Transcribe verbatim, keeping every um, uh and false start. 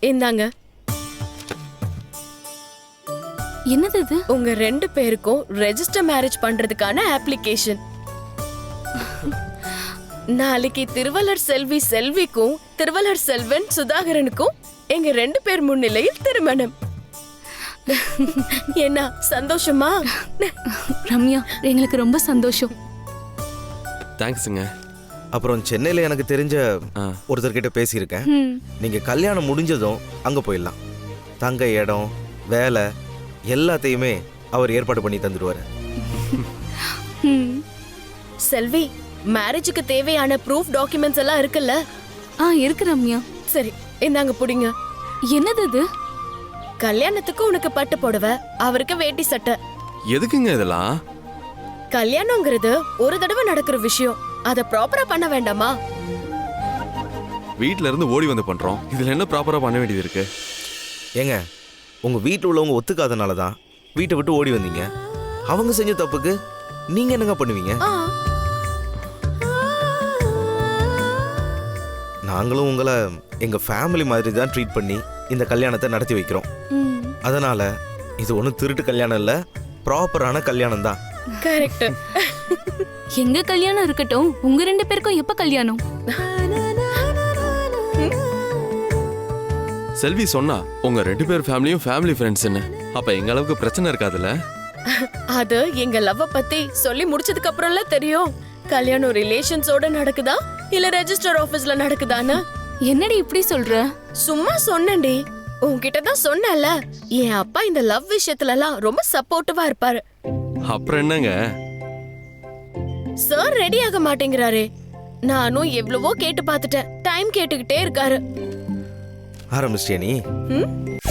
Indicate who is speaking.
Speaker 1: இந்தாங்க.
Speaker 2: என்னது இது?
Speaker 1: உங்க ரெண்டு பேருக்கும் ரெஜிஸ்டர் மேரேஜ் பண்றதுக்கான அப்ளிகேஷன். நாளைக்கு திருவள்ளர் செல்வி செல்விக்கும் திருவள்ளர் செல்வன் சுதாகரனுக்கும் எங்க ரெண்டு பேர் முன்னிலையில் திருமணம். என்ன சந்தோஷமா?
Speaker 2: ரம்யா, எங்களுக்கு ரொம்ப சந்தோஷம்.
Speaker 3: தேங்க்ஸுங்க.
Speaker 4: அப்புறம் சென்னையில எனக்கு தெரிஞ்ச ஒருத்தர்கிட்ட பேசியிருக்கேன். நீங்க கல்யாணம் முடிஞ்சதும் அங்க போயிடலாம். தங்க இடம், வேலை எல்லாத்தையுமே அவர் ஏற்பாடு பண்ணி தந்துடுவாரு.
Speaker 1: செல்வி, மேரேஜுக்கு தேவையான ப்ரூஃப் டாக்குமெண்ட்ஸ் எல்லாம் இருக்குல்ல?
Speaker 2: ஆ இருக்கு ரம்யா.
Speaker 1: சரி, இந்தாங்க புடிங்க.
Speaker 2: என்னது இது?
Speaker 1: கல்யாணத்துக்கு உனக்கு பட்டு புடவை, அவருக்கு வேட்டி சட்டை.
Speaker 3: எதுக்குங்க இதெல்லாம்?
Speaker 1: கல்யாணங்கிறது ஒரு தடவை நடக்கிற விஷயம், அத ப்ராப்பரா பண்ண வேண்டாமா?
Speaker 3: வீட்ல இருந்து ஓடி வந்து பண்றோம், இதுல என்ன ப்ராப்பரா பண்ண வேண்டியது இருக்கு?
Speaker 4: ஏங்க, உங்க வீட்டில் உள்ளவங்க ஒத்துக்காதனால தான் வீட்டை விட்டு ஓடி வந்தீங்க. அவங்க செஞ்ச தப்புக்கு நீங்க என்னங்க பண்ணுவீங்க? நாங்களும் உங்களை எங்க ஃபேமிலி மாதிரி தான் ட்ரீட் பண்ணி இந்த கல்யாணத்தை நடத்தி வைக்கிறோம். அதனால இது ஒன்றும் திருட்டு கல்யாணம் இல்ல, ப்ராப்பரான கல்யாணம் தான்.
Speaker 1: கரெக்ட்.
Speaker 2: எங்க கல்யாணம் இருக்கட்டும், உங்க ரெண்டு பேருக்கும் எப்ப கல்யாணம்?
Speaker 3: செல்வி சொன்னா உங்க ரெண்டு பேர் ஃபேமிலியும் ஃபேமிலி ஃப்ரெண்ட்ஸ்னு. அப்ப எங்க அளவுக்கு பிரச்சனை இருக்காதுல்ல?
Speaker 1: அது எங்க லவ் பத்தி சொல்லி முடிச்சதுக்கு அப்புறம்ல தெரியும். கல்யாணம் ரிலேஷன்ஸோட நடக்குதா இல்ல ரெஜிஸ்டர் ஆபீஸ்ல நடக்குதான்னு.
Speaker 2: என்னடி இப்படி சொல்ற?
Speaker 1: சும்மா சொன்னேன்டி. உன்கிட்ட தான் சொன்னேன்ல, என் அப்பா இந்த லவ் விஷயத்துல எல்லாம் ரொம்ப சப்போர்ட்டிவா இருப்பாரு.
Speaker 3: அப்புறம் என்னங்க?
Speaker 1: சார் ரெடி ஆக மாட்டேங்கிறாரே. நானும் எவ்வளவோ கேட்டு பார்த்துட்டேன், டைம் கேட்டுக்கிட்டே இருக்காரு.
Speaker 4: ஆரம்பிச்சிட்டியா நீ?